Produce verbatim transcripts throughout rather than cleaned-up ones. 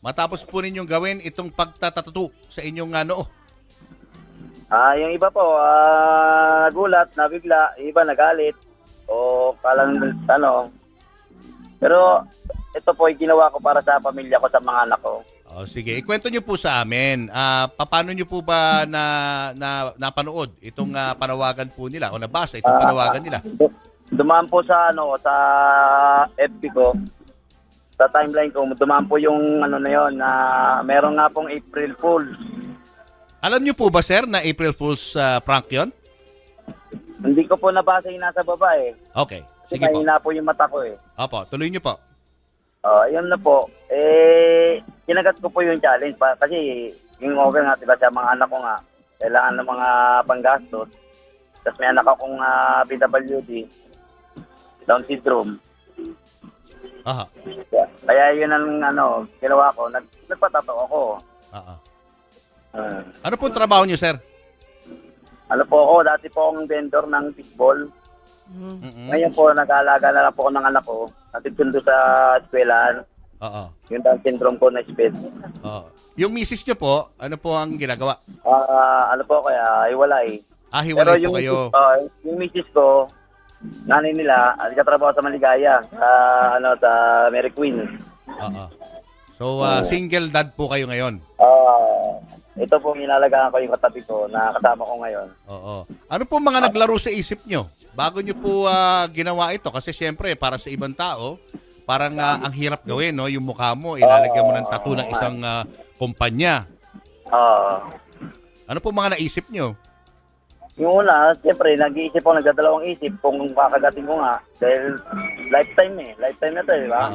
matapos po ninyong gawin itong pagtatatato sa inyong uh, noo? Ah, yung iba po, ah, nagulat, nabigla, yung iba nagalit, o kalang, ano. Pero, ito po, yung ginawa ko para sa pamilya ko, sa mga anak ko. Oh, sige, ikwento niyo po sa amin. Ah, paano niyo po ba na, na napanood itong ah, panawagan po nila o nabasa itong panawagan nila? Du- Dumaan po sa, ano, sa F B ko, sa timeline ko, dumaan po yung, ano na yun, na meron nga pong April Fool. Alam niyo po ba, sir, na April Fool's ah, prank yon? Hindi ko po nabasa yung nasa baba eh. Okay, sige Sige po. po. po yung mata ko eh. Opo, tuloy niyo po. Oh, yun na po. Eh, kinagat ko po yung challenge pa kasi yung over nga, diba, sa mga anak ko nga, kailangan ng mga panggastos. Tapos may anak akong uh, P W D, Down syndrome. Aha. Kaya, kaya yun ang ano, ginawa ko, nag, nagpatato ako. Aha. Uh, Ano po trabaho niyo, sir? ano po ako, dati po akong vendor ng fishball. Mm-mm. Ngayon po, nag-aalaga na lang po ako ng anak ko. Natitundo sa eskwelahan. Oo. Yung Down syndrome ko na sped. Oo. Yung misis niyo po, ano po ang ginagawa? Ah, ano po kaya, iwalay. Ah, hiwalay po yung, kayo. Uh, yung misis ko, nanay nila, nagkatrabaho sa Maligaya, sa, ano, sa Mary Queen. Oo. So, ah, single dad po kayo ngayon? Ah, ito po, inalagaan ko yung katabi ko na kasama ko ngayon. Oo. Ano po mga naglaro sa isip nyo? Bago nyo po ah, ginawa ito? Kasi syempre, para sa ibang tao, parang ah, ang hirap gawin, no? Yung mukha mo, ilalagyan mo ng tattoo ng isang ah, kumpanya. Ah, Ano po mga naisip nyo? yung una, siyempre, nag-iisip ako, nagdadalawang isip kung kakagating ko nga. Dahil lifetime eh, lifetime na to, di ba? Oo.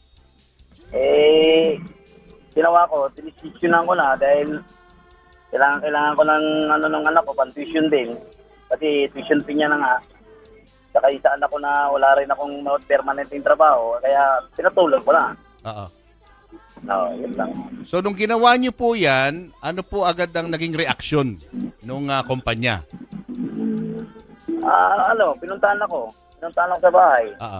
Eh, ginawa ko, tinisisyonan ko na dahil kailangan, kailangan ko ng, ano, ng anak ko, pan-tuition din. Kasi tuition fee niya na nga. Saka isa anak ko na wala rin akong permanent yung trabaho, kaya pinatulong ko na. Oo. No, yun lang. So, nung ginawa nyo po yan, ano po agad ang naging reaksyon nung ah, kumpanya? Ah, ano, pinuntahan ako. Pinuntahan ako sa bahay. Oo.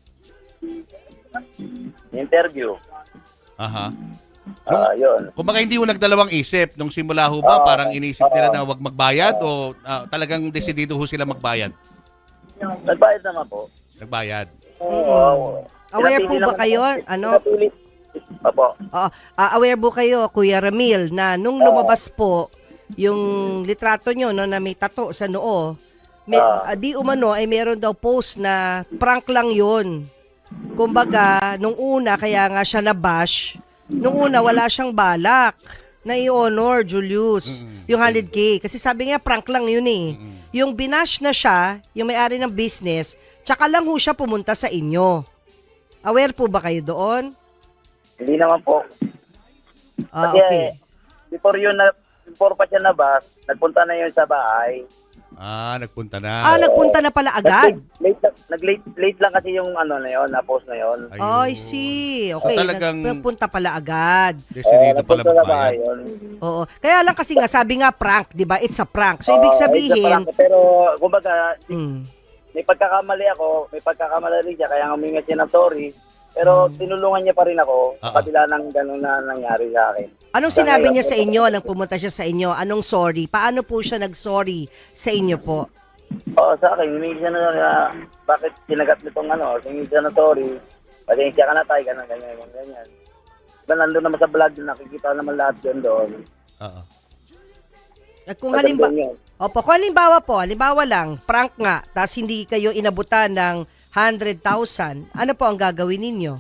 Interview. Aha. Ah, yun. Kumbaga hindi mo nagdalawang isip nung simula ho ba, Oo. parang inisip nila na wag magbayad o ah, talagang desidido ho sila magbayad? Nagbayad naman po. Nagbayad. Oo. Aware Pinapili po ba naman kayo? ako. Ano? Pinapili. Opo. Oo. Ah, aware po kayo, Kuya Ramil, na nung lumabas po yung litrato nyo no, na may tato sa noo, may, Ah. ah, di umano ay meron daw post na prank lang yun. Kumbaga, nung una, kaya nga siya na-bash, nung una wala siyang balak na i-honor, Julius, yung one hundred K. Kasi sabi niya, prank lang yun eh. Yung binash na siya, yung may-ari ng business, tsaka lang ho siya pumunta sa inyo. Aware po ba kayo doon? Hindi naman po. Ah, Kasi, okay. before yun, na, before pa siya nabas, nagpunta na yun sa bahay. Ah, nagpunta Ah, na. nagpunta na pala agad? Nag-late, late, nag-late, late lang kasi yung ano na yun, na-post na yun. Ayun. Oh, I see. Okay, So, talagang- nagpunta pala agad. Desidido pala nagpunta sa bahay magbayad. yun. Oo. Kaya lang kasi nga, sabi nga prank, di ba? It's a prank. So, ibig Oo, sabihin, isa pa lang. Pero, kumbaga, mm, may pagkakamali ako, may pagkakamali rin siya, kaya huminga siya ng sorry. Pero tinulungan niya pa rin ako sa Oo. kabila ng gano'n na nangyari sa akin. anong Sa sinabi ngayon, niya sa inyo nang pumunta siya sa inyo? Anong sorry? Paano po siya nag-sorry sa inyo po? Oo, sa akin, humingi siya na, na bakit sinagat nitong ano, humingi siya na sorry. Pasensya ka na tayo, gano'n, ganyan, ganyan, ganyan. Diba, nandun naman sa vlog, nakikita naman lahat yun doon. Oo. At kung halimbawa, Magandang yun. opo, kung halimbawa po, halimbawa lang, prank nga, tapos hindi kayo inabutan ng one hundred thousand, ano po ang gagawin ninyo?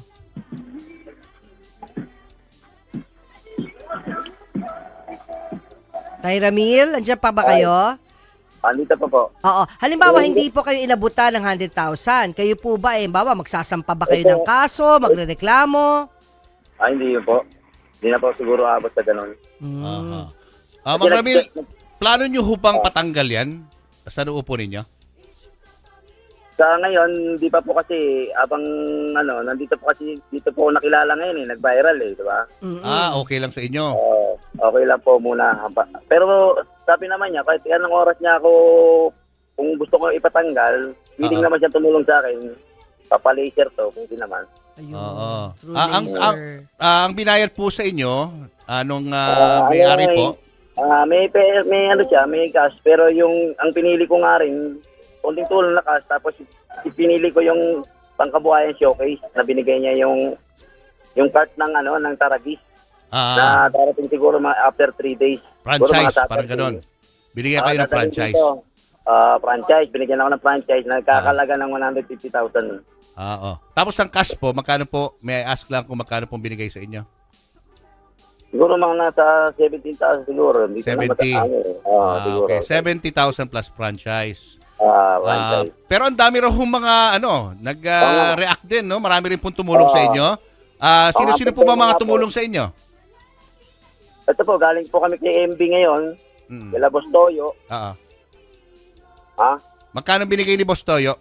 Tay Ramil, andyan pa ba kayo? Andito pa po. Oo. Halimbawa, hindi po kayo inabutan ng one hundred thousand. Kayo po ba, eh, bawa, magsasampa ba kayo ng kaso, magrereklamo? Ah, hindi yun po. Hindi na po siguro abot sa gano'n. Aha. Ah, Ma'am Ramil, plano nyo hupang patanggal yan sa noo po ninyo? Sa ngayon, hindi pa po kasi, abang ano, nandito po kasi, dito po ako nakilala ngayon eh, nag-viral eh, di ba? Mm-mm. Ah, okay lang sa inyo. Oo, okay lang po muna. Pero sabi naman niya, kahit anong oras niya ako, kung gusto ko ipatanggal, willing Oo. naman siya tumulong sa akin, papalaser to, kung hindi naman. Ayun. Oo. True Ah, ang, ang, laser. ah, ang binayad po sa inyo, anong Ah, may-ari ano, po? Ah, may pe- may ano siya, may cash, pero yung ang pinili ko nga rin, konting tulong na cash, tapos pinili ko yung pangkabuhayan showcase na binigay niya yung yung cart ng ano ng Taragis Ah, na darating siguro mga after three days. Siguro franchise, mga parang Saturday. ganon. Binigyan Ah, kayo ng dadaling franchise. dito. Ah, franchise, binigyan ako ng franchise na kakalaga ng one hundred fifty thousand. Ah, oh. Tapos ang cash po, magkano po? May I ask lang kung magkano pong binigay sa inyo? Siguro mga nasa seventeen thousand siguro. Hindi ko na seventy. mataano eh. Ah, Ah, siguro. okay. seventy thousand plus franchise. Ah, Ah, franchise. pero ang dami raw hong mga ano, nag-react din, no? Marami rin pong tumulong sa Oo. inyo. Ah, sino-sino Oo, po ba mga nga po. tumulong sa inyo? Ito po, galing po kami kay M B ngayon, Mm. kila Boss Toyo. Oo. Ha? Magkano binigay ni Boss Toyo?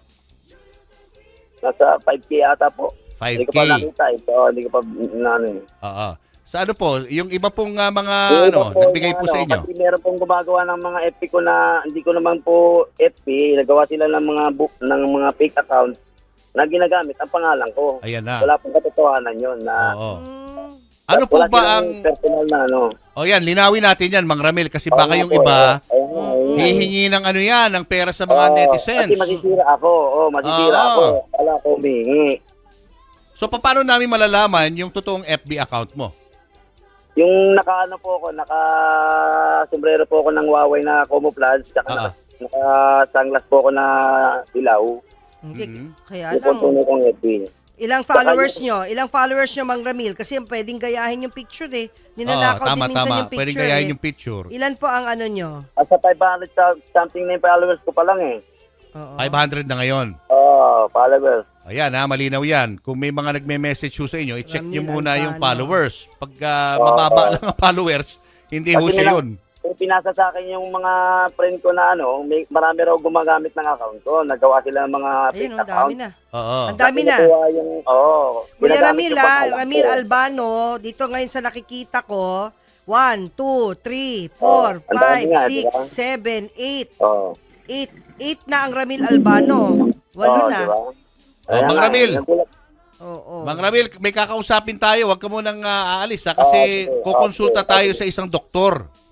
Nasa five K ata po. five Hindi ko K. pa nakita eh. So, hindi ko pa na ano eh. Oo. Sa ano po, yung iba pong ah, mga Yung ano, iba po, nagbigay po ano, sa inyo? Kasi meron pong gumagawa ng mga F B ko na hindi ko naman po F B. Nagawa sila ng mga book, ng mga fake account na ginagamit ang pangalan ko. Ayan na. Wala pong katotohanan yun. Na, Oo. Mm. Ano po wala ba silang ang... personal na ano. O yan, linawin natin yan, Mang Ramil, kasi Oo baka nga yung po, iba, eh. Ayun nga, ayun nga. hihingi ng ano yan, ng pera sa mga Oo, netizens. Kasi masisira ako. Oo, masisira Oo. ako. Wala ko humingi. So, paano namin malalaman yung totoong F B account mo? Yung naka-ano po ako, naka-sombrero po ako ng Huawei na camouflage, tsaka Ah. naka- naka-sunglass po ako na ilaw. Hindi, Mhm. kaya Yung po lang. tunay kong F B. Ilang followers nyo? Ilang followers nyo, Mang Ramil? Kasi pwedeng gayahin yung picture eh. Oo, Ninanakaw tama, din minsan tama. yung picture Pwedeng gayahin eh. yung picture. Ilan po ang ano nyo? At sa five hundred sa- something na yung followers ko pa lang eh. Oo. five hundred na ngayon. Oo, followers. Ayan ha, malinaw yan. Kung may mga nagme-message ho sa inyo, i-check nyo Ramil muna yung Albano. followers. Pag ah, Oo. mababa lang ang followers, hindi ho Kasi siya nila- yun. Kung pinasa sa akin yung mga friend ko na ano, may, marami raw gumagamit ng account ko. Nagawa sila ng mga Ayun, fake ang account. dami na. Oo. Ang dami na. Nakuha Yung, oh, Kuya ginagamit Ramil yung ah, pangalan Ramil ko. Albano, dito ngayon sa nakikita ko, one, two, three, four, Oh, ang five, dami nga, six, di ba? seven, eight. Oo. eight, eight na ang Ramil Albano. Walo Oo, na. diba? Oh, Ayan Mang nga, Ramil. nagulat- Oo. Mang Ramil, may kakausapin tayo. Huwag ka munang ah, aalis ha, kasi Okay, kukonsulta okay, tayo okay. sa isang doktor.